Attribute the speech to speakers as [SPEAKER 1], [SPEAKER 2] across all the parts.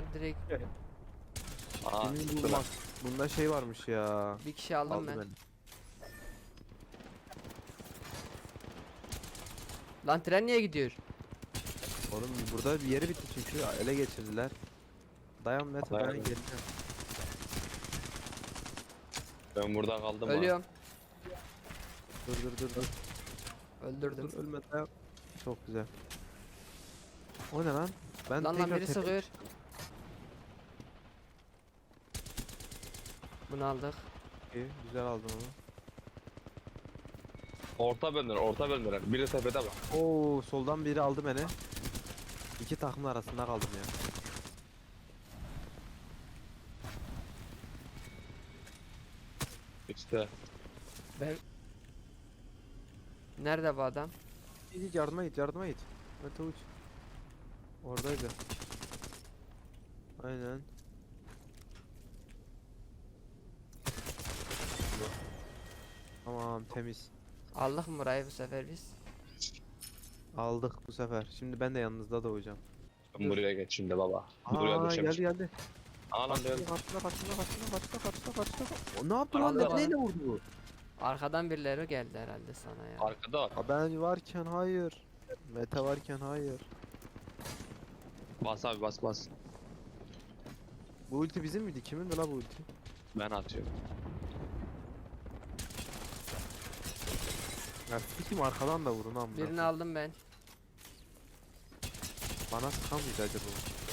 [SPEAKER 1] Direkt
[SPEAKER 2] Aa,
[SPEAKER 3] Emin
[SPEAKER 2] tuttu
[SPEAKER 3] bulmak.
[SPEAKER 2] lan.
[SPEAKER 3] Bunda şey varmış ya.
[SPEAKER 1] bir kişi aldım
[SPEAKER 3] Aldı
[SPEAKER 1] ben.
[SPEAKER 3] beni.
[SPEAKER 1] Lan tren niye gidiyor?
[SPEAKER 3] Oğlum burada bir yeri bitti çünkü ele geçirdiler. Dayan Mete dayan
[SPEAKER 2] Dayan.
[SPEAKER 3] geleceğim.
[SPEAKER 2] Ben burada kaldım ha.
[SPEAKER 1] Ölüyorum.
[SPEAKER 3] Dur.
[SPEAKER 1] Öldürdüm.
[SPEAKER 3] Dur ölme dayan. Çok güzel. O ne lan? Ben
[SPEAKER 1] Lan
[SPEAKER 3] tekrar
[SPEAKER 1] biri
[SPEAKER 3] tepe-
[SPEAKER 1] sıkıyor. Bunu aldık.
[SPEAKER 3] İyi, güzel aldın onu.
[SPEAKER 2] Orta bölümler. Biri tepede bak.
[SPEAKER 3] Oo soldan biri aldı beni. İki takımın arasında kaldım ya.
[SPEAKER 2] İşte.
[SPEAKER 1] Ben... Nerede bu adam?
[SPEAKER 3] Git yardıma git. Mete uç. Oradaydı. Aynen. Tamam temiz.
[SPEAKER 1] Aldık mı burayı bu sefer biz?
[SPEAKER 3] Aldık bu sefer. Şimdi ben de yanınızda doğacağım.
[SPEAKER 2] Ben buraya geç şimdi baba. Buraya
[SPEAKER 3] Aa
[SPEAKER 2] düşemiş.
[SPEAKER 3] geldi.
[SPEAKER 2] Aa lan
[SPEAKER 3] Kaçtı,
[SPEAKER 2] ben.
[SPEAKER 3] kaçtı. O ne yaptı lan?
[SPEAKER 1] Aldı
[SPEAKER 3] Mete
[SPEAKER 1] bana.
[SPEAKER 3] neyle vurdu bu?
[SPEAKER 1] Arkadan birileri geldi herhalde sana ya.
[SPEAKER 2] Arkada var.
[SPEAKER 3] Ha, ben varken hayır. Mete varken hayır.
[SPEAKER 2] Bas abi bas.
[SPEAKER 3] Bu ulti bizim miydi? Kimin la bu ulti?
[SPEAKER 2] Ben atıyorum.
[SPEAKER 3] Ya sikim arkadan da vurun amına.
[SPEAKER 1] Birini aldım ben.
[SPEAKER 3] Bana sıkan mıydı acaba?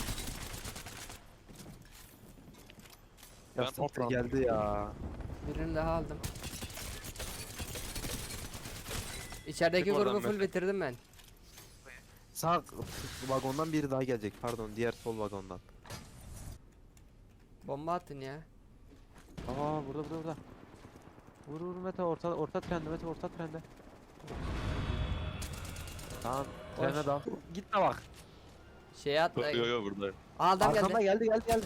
[SPEAKER 2] Ben
[SPEAKER 3] Ya siktir
[SPEAKER 2] toplam-
[SPEAKER 3] geldi ya.
[SPEAKER 1] Birini daha aldım. İçerideki
[SPEAKER 2] Çık oradan
[SPEAKER 1] grubu full
[SPEAKER 2] Mete.
[SPEAKER 1] bitirdim ben.
[SPEAKER 3] Sağ vagondan biri daha gelecek. Pardon, diğer sol vagondan.
[SPEAKER 1] Bomba attın ya.
[SPEAKER 3] Aa burada. Vur Mete orta trende Mete orta trende. Tamam trene
[SPEAKER 1] Hoş.
[SPEAKER 3] dal. Gitme bak.
[SPEAKER 1] Şeye atla.
[SPEAKER 2] Yo buradayım.
[SPEAKER 1] Aa, adam
[SPEAKER 3] Arkamda
[SPEAKER 1] geldi.
[SPEAKER 3] geldi.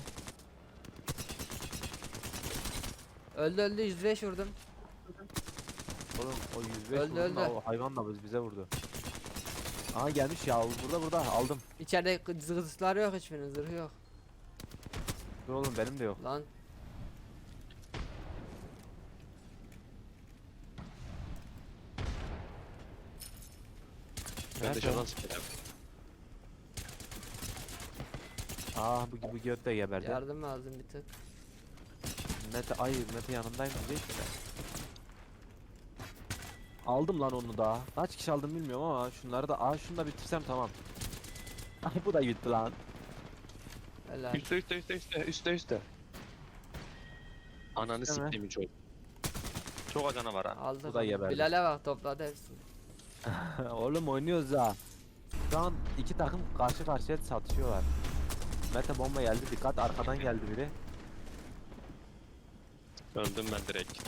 [SPEAKER 1] Öldü 105 vurdum.
[SPEAKER 3] Oğlum o 105
[SPEAKER 1] Öldü,
[SPEAKER 3] vurdun da
[SPEAKER 1] öldü.
[SPEAKER 3] o hayvan da bize vurdu. Aa gelmiş ya burada aldım.
[SPEAKER 1] İçeride zırhları yok, hiçbirinin zırhı yok.
[SPEAKER 3] Dur oğlum benim de yok.
[SPEAKER 1] Lan
[SPEAKER 2] Ben
[SPEAKER 3] Nerede?
[SPEAKER 2] dışarıdan sıkacağım.
[SPEAKER 3] Aa bu göt de geberdi.
[SPEAKER 1] yardım lazım bir tık.
[SPEAKER 3] Mete yanındayım diyecek de. Aldım lan onu da. Kaç kişi aldım bilmiyorum ama şunları da şunu da bitirsem tamam. Ay bu da gitti lan.
[SPEAKER 1] Helal.
[SPEAKER 2] Üste. Ananı
[SPEAKER 3] İşte mi?
[SPEAKER 2] siktiğimi çok. Çok acana var ha.
[SPEAKER 1] Aldık.
[SPEAKER 3] Bu da geberdi.
[SPEAKER 1] Bilal'e bak, topladı hepsini.
[SPEAKER 3] Oğlum oynuyoruz ha. Şu an iki takım karşı karşıya satışıyorlar. Mete bomba geldi, dikkat arkadan geldi biri.
[SPEAKER 2] Öldüm ben direkt.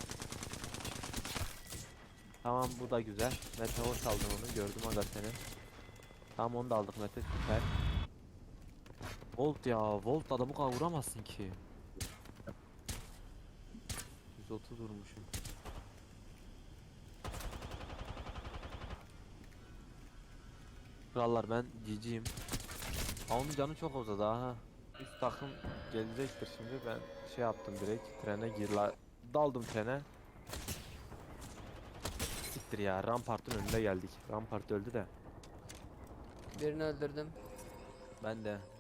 [SPEAKER 3] Tamam bu da güzel. Mete hoş aldın onu, gördüm aga seni. Tamam onu da aldık Mete, süper. Volt ya, Volt adamı kadar vuramazsın ki. 130 vurmuşum. Krallar ben GG'yim. Onun canı çok uzadı ha. Üst takım gelecektir şimdi, ben şey yaptım direkt trene daldım trene. Siktir ya, Rampart'ın önünde geldik. Rampart öldü de.
[SPEAKER 1] Birini öldürdüm.
[SPEAKER 3] Ben de